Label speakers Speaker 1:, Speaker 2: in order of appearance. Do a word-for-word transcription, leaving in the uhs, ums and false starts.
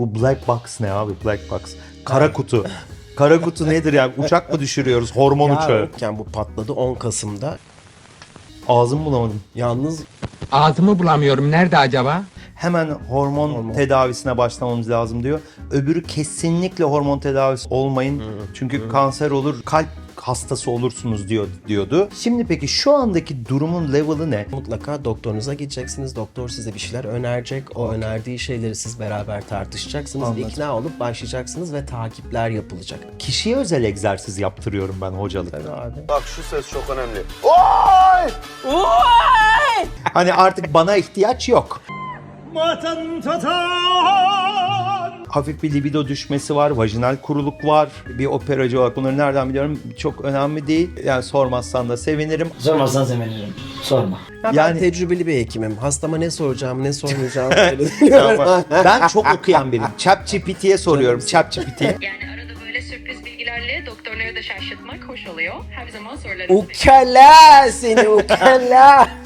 Speaker 1: Bu black box ne abi? Black box. Kara kutu. Kara kutu nedir yani? Uçak mı düşürüyoruz? Hormon
Speaker 2: Ya
Speaker 1: uçağı.
Speaker 2: yokken bu patladı on Kasım'da.
Speaker 1: Ağzımı bulamadım.
Speaker 2: Yalnız
Speaker 3: Ağzımı bulamıyorum. Nerede acaba?
Speaker 1: Hemen hormon,
Speaker 2: Hormon.
Speaker 1: tedavisine başlamamız lazım diyor. Öbürü kesinlikle hormon tedavisi olmayın. Çünkü kanser olur, kalp hastası olursunuz diyor diyordu. Şimdi peki şu andaki durumun level'ı ne?
Speaker 2: mutlaka doktorunuza gideceksiniz. Doktor size bir şeyler önerecek. O önerdiği şeyleri siz beraber tartışacaksınız.
Speaker 1: Anladım.
Speaker 2: İkna olup başlayacaksınız ve takipler yapılacak.
Speaker 1: Kişiye özel egzersiz yaptırıyorum ben hocalık.
Speaker 2: Tabii abi.
Speaker 4: Bak şu ses çok önemli.
Speaker 1: Hani artık bana ihtiyaç yok. Hafif bir libido düşmesi var, vajinal kuruluk var. Bir operacı olarak bunları nereden biliyorum çok önemli değil. Yani sormazsan da sevinirim.
Speaker 5: Sormazsan sevinirim. Sorma.
Speaker 2: Ya
Speaker 1: Yani-
Speaker 2: ben tecrübeli bir hekimim. Hastama ne soracağım, ne sormayacağım belli
Speaker 1: Ama ben çok okuyan biriyim. ChatGPT'ye soruyorum. ChatGPT.
Speaker 6: Yani arada böyle sürpriz bilgilerle doktorları da şaşırtmak hoş oluyor. Her zaman sorularınızı
Speaker 2: Ukala seni ukala.